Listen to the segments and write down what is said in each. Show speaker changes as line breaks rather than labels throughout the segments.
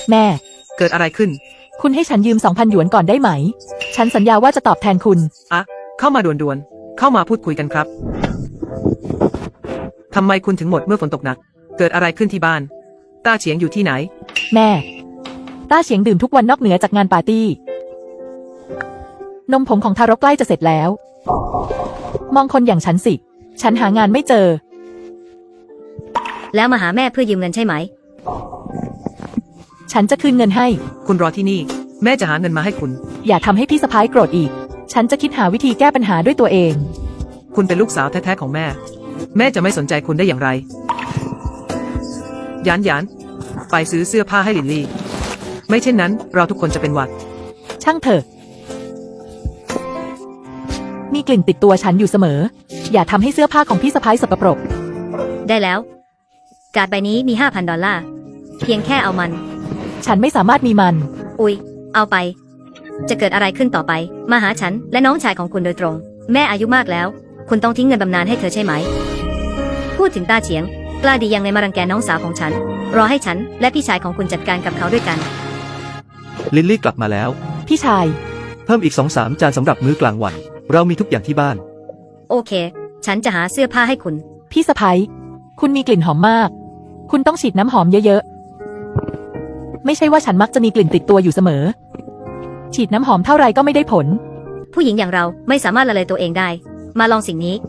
แม่
เกิดอะไรขึ้น
คุณให้ฉันยืม 2,000 หยวนก่อนได้ไหม ฉันสัญญาว่าจะตอบแทนคุณ
อะเข้ามาด่วนๆเข้ามาพูดคุยกันครับทำไมคุณถึงหมดเมื่อฝนตกหนัก เกิดอะไรขึ้นที่บ้านต้าเฉียงอยู่ที่ไหน
แม่ ต้าเฉียงดื่มทุกวันนอกเหนือจากงานปาร์ตี้ นมผงของทารกใกล้จะเสร็จแล้ว มองคนอย่างฉันสิ ฉันหางานไม่เจอ
แล้วมาหาแม่เพื่อยืมเงินใช่ไหม
ฉันจะคืนเงินให้
คุณรอที่นี่ แม่จะหาเงินมาให้คุณ
อย่าทำให้พี่สะพ้ายโกรธอีก ฉันจะคิดหาวิธีแก้ปัญหาด้วยตัวเอง
คุณเป็นลูกสาวแท้ๆของแม่ แม่จะไม่สนใจคุณได้อย่างไรหยานไปซื้อเสื้อผ้าให้ลินลี่ ไม่เช่นนั้นเราทุกคนจะเป็นหวัด
ช่างเถอะ มีกลิ่นติดตัวฉันอยู่เสมอ อย่าทำให้เสื้อผ้าของพี่สะพ้ายสกปรก
ได้แล้ว การ์ดใบนี้มี 5,000 ดอลลาร์ เพียงแค่เอามัน
ฉันไม่สามารถมีมัน
อุ๊ย เอาไป จะเกิดอะไรขึ้นต่อไป มาหาฉันและน้องชายของคุณโดยตรง แม่อายุมากแล้ว คุณต้องทิ้งเงินบำนาญให้เธอใช่ไหม พูดถึงต้าเฉียง กล้าดียังไงมารังแกน้องสาวของฉัน รอให้ฉันและพี่ชายของคุณจัดการกับเขาด้วยกัน
ลิลลี่กลับมาแล้ว
พี่ชาย
เพิ่มอีก 2-3 จานสำหรับมื้อกลางวัน เรามีทุกอย่างที่บ้าน
โอเค ฉันจะหาเสื้อผ้าให้คุณ
พี่สะพ้ายคุณมีกลิ่นหอมมาก คุณต้องฉีดน้ำหอมเยอะๆ ไม่ใช่ว่าฉันมักจะมีกลิ่นติดตัวอยู่เสมอ ฉีดน้ำหอมเท่าไรก็ไม่ได้ผล
ผู้หญิงอย่างเราไม่สามารถละเลยตัวเองได้ มาลองสิ่งนี้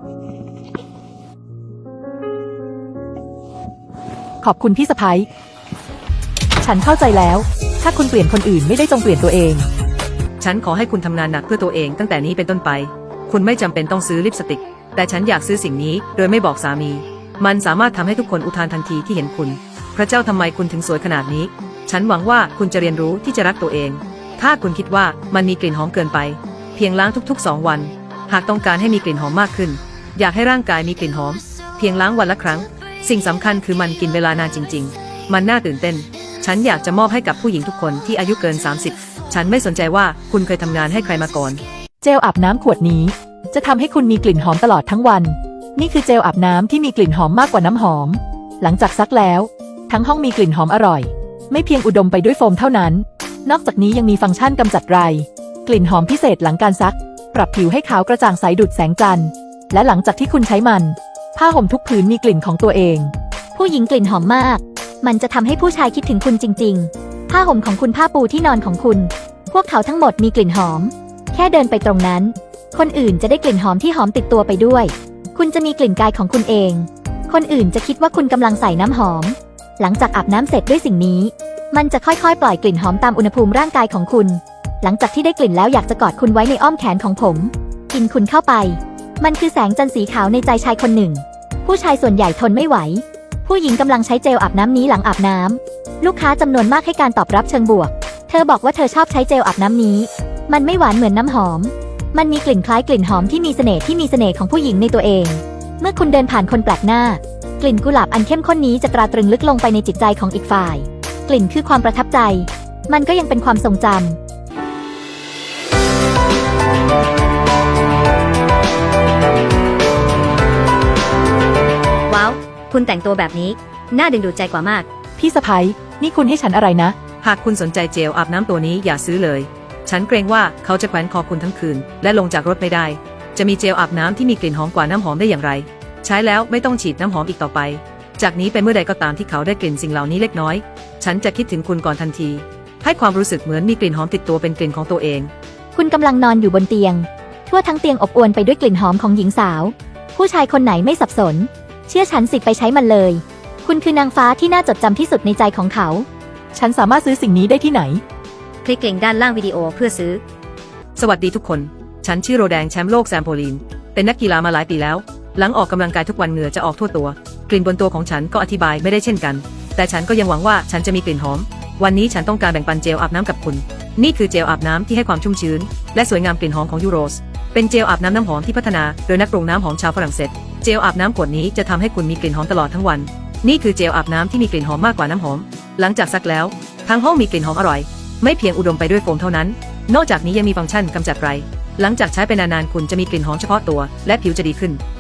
ขอบคุณพี่สะพ้ายฉันเข้าใจแล้ว ถ้าคุณเปลี่ยนคนอื่นไม่ได้จงเปลี่ยนตัวเอง
ฉันขอให้คุณทำงานหนักเพื่อตัวเองตั้งแต่นี้เป็นต้นไป คุณไม่จำเป็นต้องซื้อลิปสติก แต่ฉันอยากซื้อสิ่งนี้โดยไม่บอกสามี มันสามารถทำให้ทุกคนอุทานทันทีที่เห็นคุณ พระเจ้าทำไมคุณถึงสวยขนาดนี้ ฉันหวังว่าคุณจะเรียนรู้ที่จะรักตัวเอง ถ้าคุณคิดว่ามันมีกลิ่นหอมเกินไป เพียงล้างทุกๆ 2 วัน หากต้องการให้มีกลิ่นหอมมากขึ้น อยากให้ร่างกายมีกลิ่นหอม เพียงล้างวันละครั้ง สิ่งสำคัญคือมันกินเวลานานจริงๆ มันน่าตื่นเต้น ฉันอยากจะมอบให้กับผู้หญิงทุกคนที่อายุเกิน 30 ฉันไม่สนใจว่าคุณเคยทำงานให้ใครมาก่อน
เจลอาบน้ำขวดนี้ จะทำให้คุณมีกลิ่นหอมตลอดทั้งวัน นี่คือเจลอาบน้ำที่มีกลิ่นหอมมากกว่าน้ำหอม หลังจากซักแล้ว ทั้งห้องมีกลิ่นหอมอร่อย ไม่เพียงอุดมไปด้วยโฟมเท่านั้น นอกจากนี้ยังมีฟังก์ชันกำจัดไร กลิ่นหอมพิเศษหลังการซัก ปรับผิวให้ขาวกระจ่างใสดุจแสงจันทร์ และหลังจากที่คุณใช้มัน ผ้าห่มทุกผืนมีกลิ่นของตัวเอง
ผู้หญิงกลิ่นหอมมาก มันจะทำให้ผู้ชายคิดถึงคุณจริงๆ ผ้าห่มของคุณผ้าปูที่นอนของคุณ พวกเขาทั้งหมดมีกลิ่นหอม แค่เดินไปตรงนั้น คนอื่นจะได้กลิ่นหอมที่หอมติดตัวไปด้วย คุณจะมีกลิ่นกายของคุณเอง คนอื่นจะคิดว่าคุณกำลังใส่น้ำหอม หลังจากอาบน้ำเสร็จด้วยสิ่งนี้ มันจะค่อยๆ ปล่อยกลิ่นหอมตามอุณหภูมิร่างกายของคุณ หลังจากที่ได้กลิ่นแล้วอยากจะกอดคุณไว้ในอ้อมแขนของผม กินคุณเข้าไป มันคือแสงจันทร์สีขาวในใจชายคนหนึ่ง ผู้ชายส่วนใหญ่ทนไม่ไหว ผู้หญิงกำลังใช้เจลอาบน้ำนี้หลังอาบน้ำลูกค้าจำนวนมากให้การตอบรับเชิงบวก เธอบอกว่าเธอชอบใช้เจลอาบน้ำนี้ มันไม่หวานเหมือนน้ำหอม มันมีกลิ่นคล้ายกลิ่นหอมที่มีเสน่ห์ของผู้หญิงในตัวเอง เมื่อคุณเดินผ่านคนแปลกหน้า กลิ่นกุหลาบอันเข้มข้นนี้จะตราตรึงลึกลงไปในจิตใจของอีกฝ่าย กลิ่นคือความประทับใจ มันก็ยังเป็นความทรงจำ
ว้าว คุณแต่งตัวแบบนี้ น่าดึงดูดใจกว่ามาก
พี่สะพ้ายนี่คุณให้ฉันอะไรนะ
หากคุณสนใจเจลอาบน้ำตัวนี้อย่าซื้อเลย ฉันเกรงว่าเขาจะแขวนคอคุณทั้งคืน และลงจากรถไม่ได้ จะมีเจลอาบน้ำที่มีกลิ่นหอมกว่าน้ำหอมได้อย่างไร ใช้แล้วไม่ต้องฉีดน้ำหอมอีกต่อไป จากนี้ไปเมื่อใดก็ตามที่เขาได้กลิ่นสิ่งเหล่านี้เล็กน้อย ฉันจะคิดถึงคุณก่อนทันที ให้ความรู้สึกเหมือนมีกลิ่นหอมติดตัวเป็นกลิ่นของตัวเอง
คุณกำลังนอนอยู่บนเตียง ทั่วทั้งเตียงอบอวลไปด้วยกลิ่นหอมของหญิงสาว ผู้ชายคนไหนไม่สับสน เชื่อฉันสิไปใช้มันเลย คุณคือนางฟ้าที่น่าจดจำที่สุดในใจของเขา
ฉันสามารถซื้อสิ่งนี้ได้ที่ไหน
คลิกลิงก์ด้านล่างวิดีโอเพื่อซื้อ
สวัสดีทุกคน ฉันชื่อโรแดงแชมป์โลกแซมโพลีน เป็นนักกีฬามาหลายปีแล้ว หลังออกกำลังกายทุกวันเหงื่อจะออกทั่วตัว กลิ่นบนตัวของฉันก็อธิบายไม่ได้เช่นกัน แต่ฉันก็ยังหวังว่าฉันจะมีกลิ่นหอม วันนี้ฉันต้องการแบ่งปันเจลอาบน้ำกับคุณ นี่คือเจลอาบน้ำที่ให้ความชุ่มชื้นและสวยงามกลิ่นหอมของยูโรส เป็นเจลอาบน้ำหอมที่พัฒนาโดยนักปรุงน้ำหอมชาวฝรั่งเศส เจลอาบน้ำขวดนี้จะทำให้คุณมีกลิ่นหอมตลอดทั้งวัน นี่คือเจลอาบน้ำที่มีกลิ่นหอมมากกว่าน้ำหอม หลังจากซักแล้วทั้งห้องมีกลิ่นหอมอร่อย ไม่เพียงอุดมไปด้วยโฟมเท่านั้น นอกจากนี้ยังมีฟังก์ชันกำจัดไร หลังจากใช้ไปนานๆคุณจะมีกลิ่นหอมเฉพาะตัวและผิวจะดีขึ้น